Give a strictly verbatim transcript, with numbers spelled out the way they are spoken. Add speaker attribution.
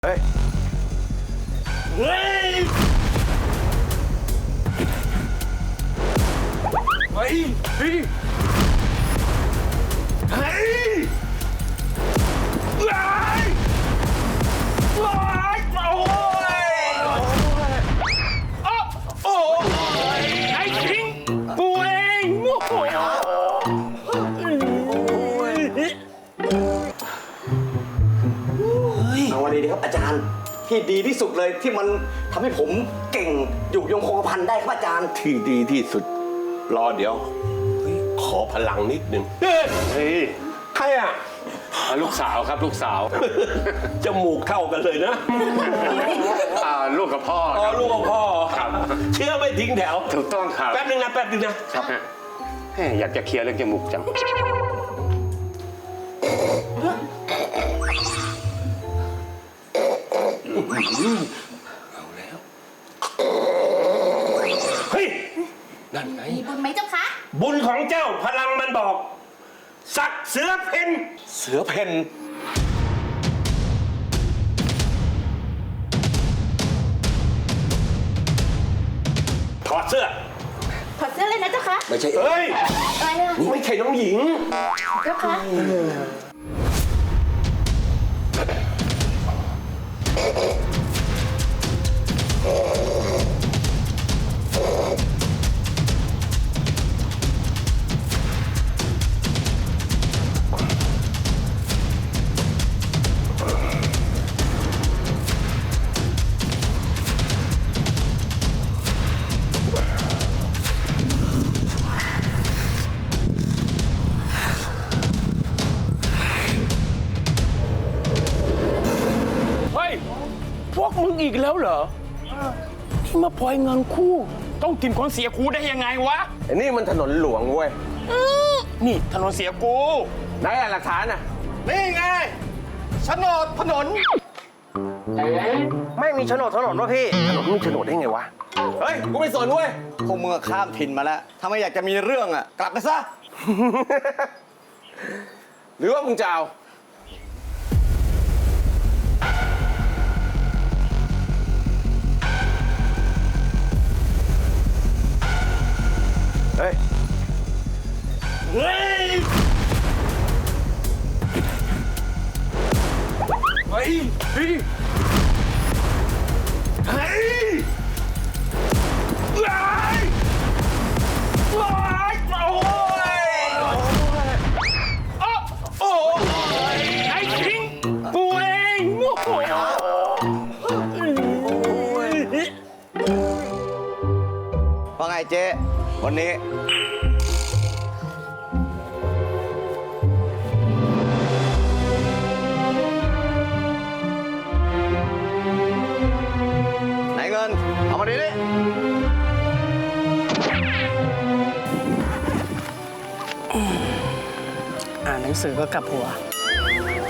Speaker 1: เฮ้ยเฮ้ยเฮ้ยเฮ้ยเฮ้ยว้ายว้ายโอ้ยโอ้ยไอ้ทิ้งกูเองโอ้โห
Speaker 2: เอาวันนี้ดีครับอาจารย์ที่ดีที่สุดเลยที่มันทำให้ผมเก่งอยู่ยงคงกระพันได้ครับอาจารย์
Speaker 1: ที่ดีที่สุดรอเดี๋ยวขอพลังนิดหนึ่งเฮ้ยใครอ่ะ
Speaker 3: ลูกสาวครับลูกสาว
Speaker 1: จมูกเท่ากันเลยนะ
Speaker 3: อ่าลูกกับพ่อ
Speaker 1: อ๋อ
Speaker 3: ครับ
Speaker 1: ลูกกับพ่อ
Speaker 3: ครับ
Speaker 1: เชื่อไม่ทิ้งแถว
Speaker 3: ถูกต้องครับ
Speaker 1: แป๊บนึงนะแป๊บนึงนะครับ
Speaker 3: แหมอยากจะเคลียร์เรื่องจมูกจัง
Speaker 1: เฮ้ยนั่นไง
Speaker 4: มีบุญไหมเจ้าคะ
Speaker 1: บุญของเจ้าพลังมันบอกสักเสือเพ่น
Speaker 2: เสือเพน
Speaker 1: ถอดเสื้อ
Speaker 4: ถอดเสื้อเลยนะเจ้าคะ
Speaker 2: ไม่ใช่
Speaker 1: เฮ้ย
Speaker 4: อะไรอะ
Speaker 1: ไม่ใช่น้องหญิง
Speaker 4: เจ้าคะ
Speaker 5: เฮ้ย พวกมึงอีกแล้วเหรอ ที่มาปล่อยเงินคู่ ต้องกินคนเสียกูได้ยังไงวะ
Speaker 1: อันนี้มันถนนหลวงเว้ย
Speaker 5: นี่ถนนเสียกู
Speaker 1: ไหนอะหลักฐานอะ
Speaker 5: นี่ไงโฉนดถนน
Speaker 2: ไม่มีโฉนดถนนวะพี่
Speaker 1: ถนนมีโฉนดได้ไงวะ เฮ้ย กูไม่สนเว้ย
Speaker 2: พวกมึงอะข้ามถิ่นมาแล้วถ้าไม่อยากจะมีเรื่องอ่ะกลับไปซะ
Speaker 1: หรือว่ามึงจะเอาเฮ้ย เฮ้ย เฮ้ย เฮ้ย เฮ้ยว้ายว้ายโอ้ยโอ้ยไอ้ทิ้งกูเองโอ้โห
Speaker 2: ว่าไงเจ๊วันนี้ไหนเงิน เอามาดิดิ
Speaker 6: อ่านหนังสือก็กลับหัว